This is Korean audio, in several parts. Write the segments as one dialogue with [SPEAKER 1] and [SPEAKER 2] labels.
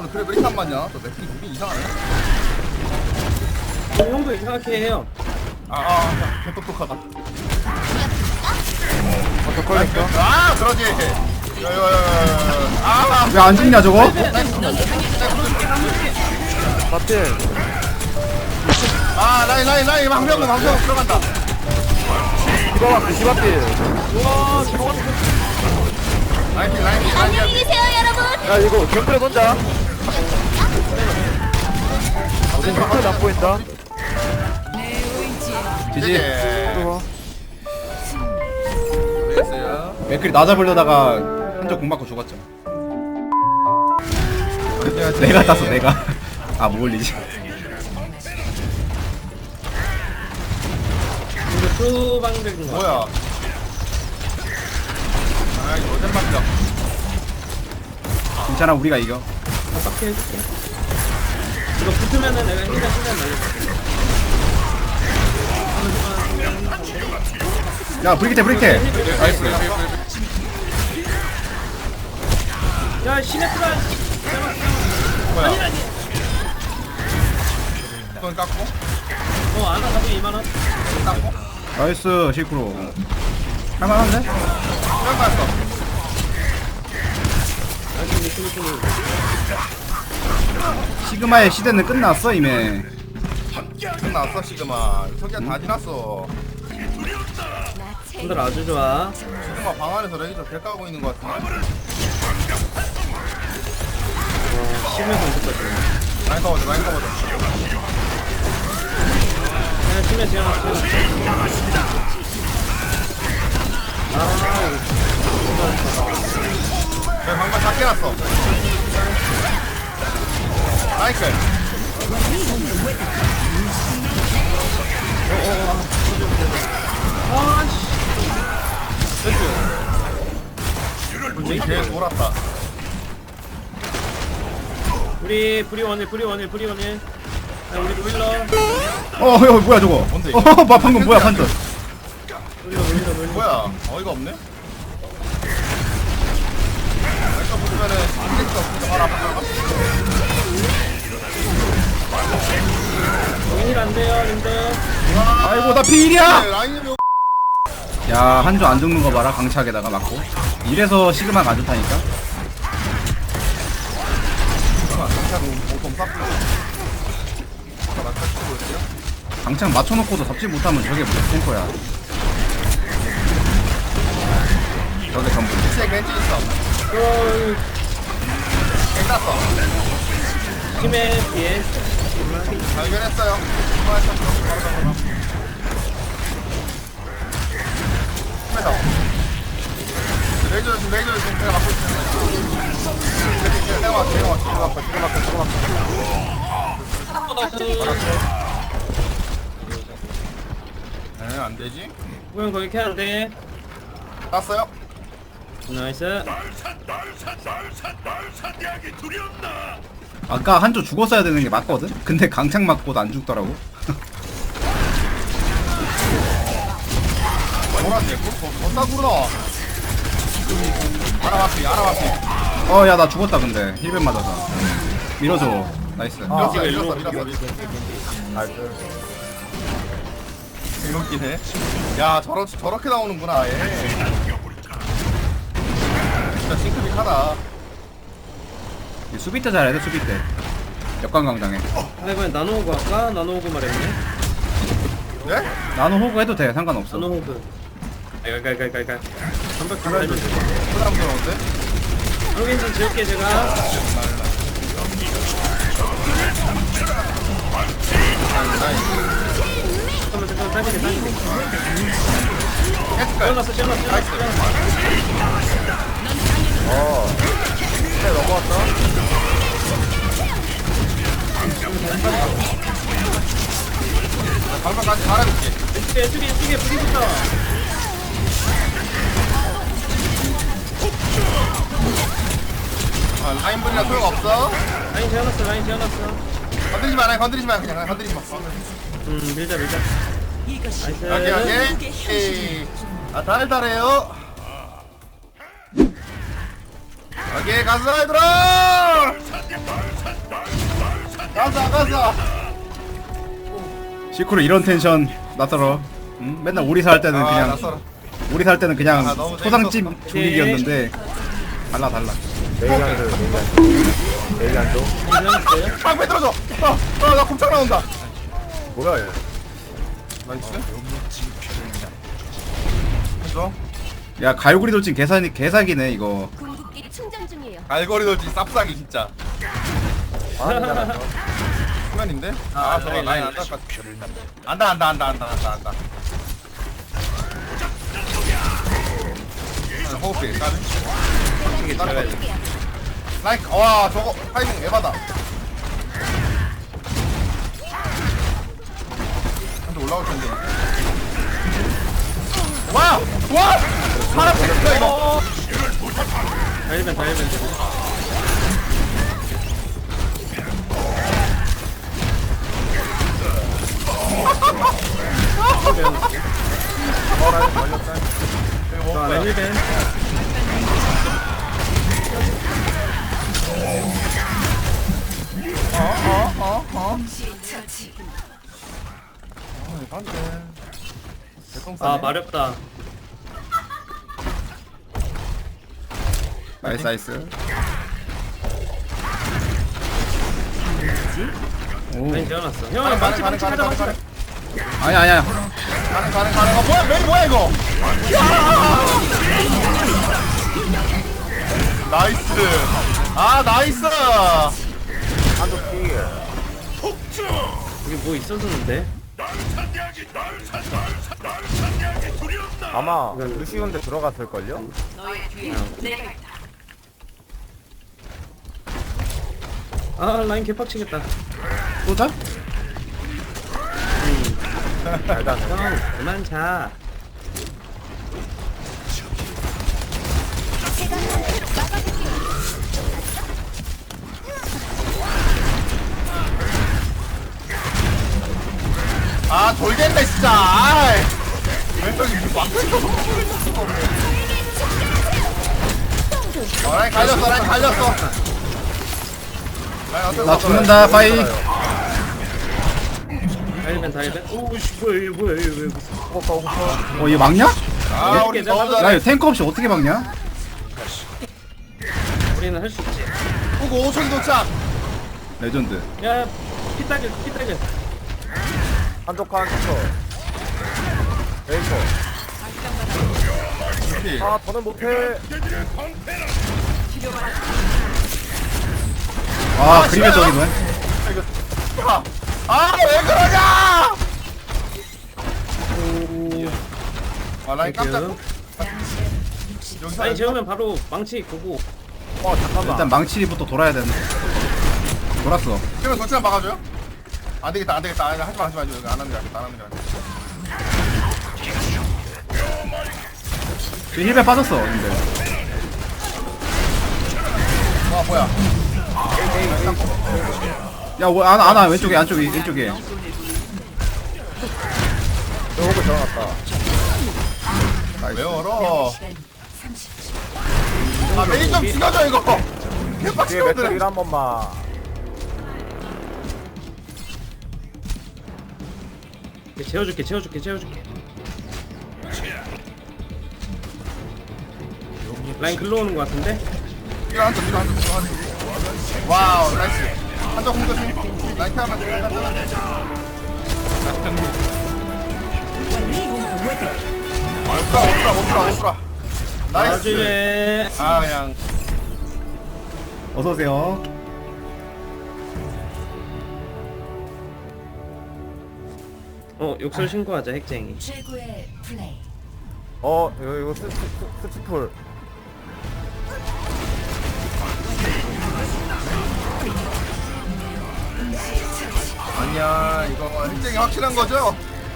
[SPEAKER 1] 그래 왜 이렇게 안 맞냐? 저 맥주 무빙 이상하네.
[SPEAKER 2] 형도 이상하게 해요.
[SPEAKER 1] 개똑똑하다.
[SPEAKER 3] 더 걸렸어.
[SPEAKER 1] 아, 그러지. 아,
[SPEAKER 4] 왜 안 죽냐 저거?
[SPEAKER 3] 맞대.
[SPEAKER 1] 아, 라인, 방병 들어간다.
[SPEAKER 3] 디바밖에 디바필.
[SPEAKER 1] 라인.
[SPEAKER 5] 안녕히 계세요, 여러분.
[SPEAKER 3] 야 이거 경크레 던자. 어제 경크레 안 보인다.
[SPEAKER 4] 지지.
[SPEAKER 3] 들어와.
[SPEAKER 1] 됐어요.
[SPEAKER 4] 맥클이 나 잡으려다가 한쪽 공 맞고 죽었죠. 내가 땄어 내가. 아 뭐 올리지?
[SPEAKER 2] 이거 수방백인 거.
[SPEAKER 1] 뭐야? 아, 이거 어젠 맞다.
[SPEAKER 4] 괜찮아 우리가 이겨.
[SPEAKER 2] 빡게 해줄게. 이거 붙으면은 내가 힘든 시간 날릴게.
[SPEAKER 4] 야 브리켓.
[SPEAKER 1] 나이스.
[SPEAKER 2] 야 시네트라.
[SPEAKER 1] 뭐야?
[SPEAKER 2] 아니.
[SPEAKER 1] 돈 깎고?
[SPEAKER 2] 아나 가지고 2만 원.
[SPEAKER 1] 깎고?
[SPEAKER 4] 나이스 실크로. 할만한데?
[SPEAKER 1] 그런 거였어.
[SPEAKER 4] 시그마의 시대는 끝났어 이미.
[SPEAKER 1] 끝났어, 시그마. 석양 다 지났어.
[SPEAKER 2] 분들 아주 좋아.
[SPEAKER 1] 시그마 방 안에서 레이저 개 까고 있는 거 같은데?
[SPEAKER 2] 심해서 못했다.
[SPEAKER 1] 라인 커버져.
[SPEAKER 2] 야 심해 지어놨어.
[SPEAKER 1] 내 방금 다 깨놨어. 나이스. 우리 개 돌았다.
[SPEAKER 2] 우리 브리원일. 야 우리 노일러.
[SPEAKER 4] 어 뭐야 저거?
[SPEAKER 1] 뭔데, 이거?
[SPEAKER 4] 방금 뭐야 판전?
[SPEAKER 2] 노일러.
[SPEAKER 1] 뭐야? 어이가 없네? 내가 보면은 안될거 없으니까 바로 앞으로 가봐.
[SPEAKER 2] 일 안 돼요, 님들.
[SPEAKER 4] 아이고 나 피일이야.
[SPEAKER 1] 라인이 왜
[SPEAKER 4] 야 한조 안 죽는 거 봐라 강착에다가 맞고. 이래서 시그마가 안 좋다니까.
[SPEAKER 1] 오tom 싹고. 나 탈출 보여줄게요.
[SPEAKER 4] 강착 맞춰놓고도 잡지 못하면 저게 무슨 탱커야. 저게 전부.
[SPEAKER 1] 제 겐지 있어. 괜찮았어.
[SPEAKER 2] 심해 뒤에.
[SPEAKER 1] 발견했어요. 바로 심해서. 레이저 지금 제가 맡고 있습니다. 내가 네, 안 되지?
[SPEAKER 2] 우영 거기 캐 안 돼.
[SPEAKER 1] 땄어요?
[SPEAKER 2] 나이스.
[SPEAKER 4] 아까 한조 죽었어야 되는 게 맞거든? 근데 강착 맞고도 안 죽더라고.
[SPEAKER 1] 뭐라지? 더 싸구나. 알아봤지.
[SPEAKER 4] 야 나 죽었다 근데 힐벤 맞아서. 밀어줘. 나이스.
[SPEAKER 1] 밀었어. 이렇긴 해. 야, 저렇게 나오는구나, 얘. 진짜 싱크빅하다.
[SPEAKER 4] 수비 때 잘해야 돼 수비 때. 역광강당해.
[SPEAKER 2] 아 이번엔 나노호그 할까? 나노호그 말했네.
[SPEAKER 1] 네?
[SPEAKER 4] 나는 호구 해도 돼 상관없어.
[SPEAKER 2] 나노호그. 갈갈갈갈갈. 한번
[SPEAKER 1] 그래,
[SPEAKER 2] 갈갈.
[SPEAKER 1] 부담스러운데?
[SPEAKER 2] 여기 좀 지울게 제가. 잠깐만 당기게.
[SPEAKER 1] 해줄까요?
[SPEAKER 2] 씌워놨어.
[SPEAKER 1] 나이스. 네, 넘어왔어. 방금까지 잘해볼게.
[SPEAKER 2] 왼쪽에 불이부터.
[SPEAKER 1] 라인분이라 소용없어.
[SPEAKER 2] 라인 재워놨어.
[SPEAKER 1] 건드리지 마, 그냥 건드리지 마.
[SPEAKER 2] 밀자. 나이스.
[SPEAKER 1] 여기. 달달해요. 여기 가서 얘들아! 가자.
[SPEAKER 4] 시크로 이런 텐션 나더러. 응? 맨날 오리사 할 때는 그냥
[SPEAKER 1] 낯설어.
[SPEAKER 4] 오리사 할 때는 그냥
[SPEAKER 1] 아, 너무
[SPEAKER 4] 소상집
[SPEAKER 1] 재밌었어.
[SPEAKER 4] 분위기였는데 달라.
[SPEAKER 3] 내일 안 줘.
[SPEAKER 2] 괜찮았어요?
[SPEAKER 1] 빵 빼들어줘. 나 곰창 나온다.
[SPEAKER 3] 뭐야 얘.
[SPEAKER 1] 나이스. 해줘.
[SPEAKER 4] 야 갈고리 돌진 개사기네 이거.
[SPEAKER 5] 궁극기 충전 중이에요.
[SPEAKER 1] 알고리즘이 쌉싸기 진짜. 수면인데? 아 저거 라인 안닿았 안다. 호흡이 까는? 라인 와 저거 타이밍 에바다. 한대 올라올 텐데. 와! 사람 됐어 이거.
[SPEAKER 2] 다일벤. 자, 힐벤. 아, 마렵다.
[SPEAKER 4] 나이스. 오.
[SPEAKER 2] 라인 재워놨어. 형아, 망치 가자.
[SPEAKER 4] 아니야.
[SPEAKER 1] 가는. 뭐야 메인 뭐야 이거? 나이스. 나이스.
[SPEAKER 2] 여기 뭐 있었는데?
[SPEAKER 3] 아마 루시온데 들어갔을걸요?
[SPEAKER 2] 아, 라인 개빡치겠다.
[SPEAKER 4] 쏘자?
[SPEAKER 3] 일단
[SPEAKER 2] 형, 그만 자.
[SPEAKER 1] 돌겠네 진짜. 아이. 왼쪽이 막혀있어. 라인 갈렸어.
[SPEAKER 4] 나 죽는다 빠이.
[SPEAKER 2] 다일벤. 오우씨, 뭐야, 이거 무슨.
[SPEAKER 4] 이거 막냐?
[SPEAKER 1] 우리
[SPEAKER 2] 내가
[SPEAKER 1] 너무
[SPEAKER 4] 야
[SPEAKER 1] 잘해.
[SPEAKER 4] 이거 탱크 없이 어떻게 막냐?
[SPEAKER 2] 우리는 할 수 있지.
[SPEAKER 1] 후고 5천 도착.
[SPEAKER 4] 레전드.
[SPEAKER 2] 야, 피따길.
[SPEAKER 3] 한쪽 에이커. 더는 못해.
[SPEAKER 4] 그림의 적이네.
[SPEAKER 1] 왜 그러냐? 라인 깜짝.
[SPEAKER 2] 땡큐.
[SPEAKER 1] 여기서
[SPEAKER 2] 라인 재우면 바로 망치 고고.
[SPEAKER 3] 잠깐만.
[SPEAKER 4] 일단 망치부터 돌아야 되는데. 돌았어.
[SPEAKER 1] 그러면 도착 막아줘요? 안 되겠다. 하지 마. 여기 안 하는 게 낫겠다.
[SPEAKER 4] 그 힐에 빠졌어 근데.
[SPEAKER 1] 와 뭐야?
[SPEAKER 4] 야 안아 왼쪽에 왼쪽에.
[SPEAKER 3] 호그 들어갔다.
[SPEAKER 1] 왜 얼어? 메인 좀 죽여줘 이거.
[SPEAKER 3] 뒤에
[SPEAKER 1] 개빡치거든.
[SPEAKER 3] 맥주를 한 번만.
[SPEAKER 2] 재워줄게. 라인 글로 오는 것 같은데?
[SPEAKER 1] 뒤로 앉아. 와우 나이스. 한쪽 공격심. 라인 타면 오프라. 나이스.
[SPEAKER 2] 나중에.
[SPEAKER 1] 그냥
[SPEAKER 4] 어서 오세요.
[SPEAKER 2] 욕설 신고하자, 핵쟁이.
[SPEAKER 5] 최고의 플레이.
[SPEAKER 3] 이거 스티풀.
[SPEAKER 1] 아니야 이거 핵쟁이 확실한 거죠?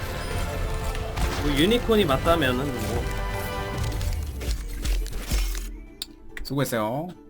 [SPEAKER 2] 뭐 유니콘이 맞다면은 뭐.
[SPEAKER 4] 수고했어요.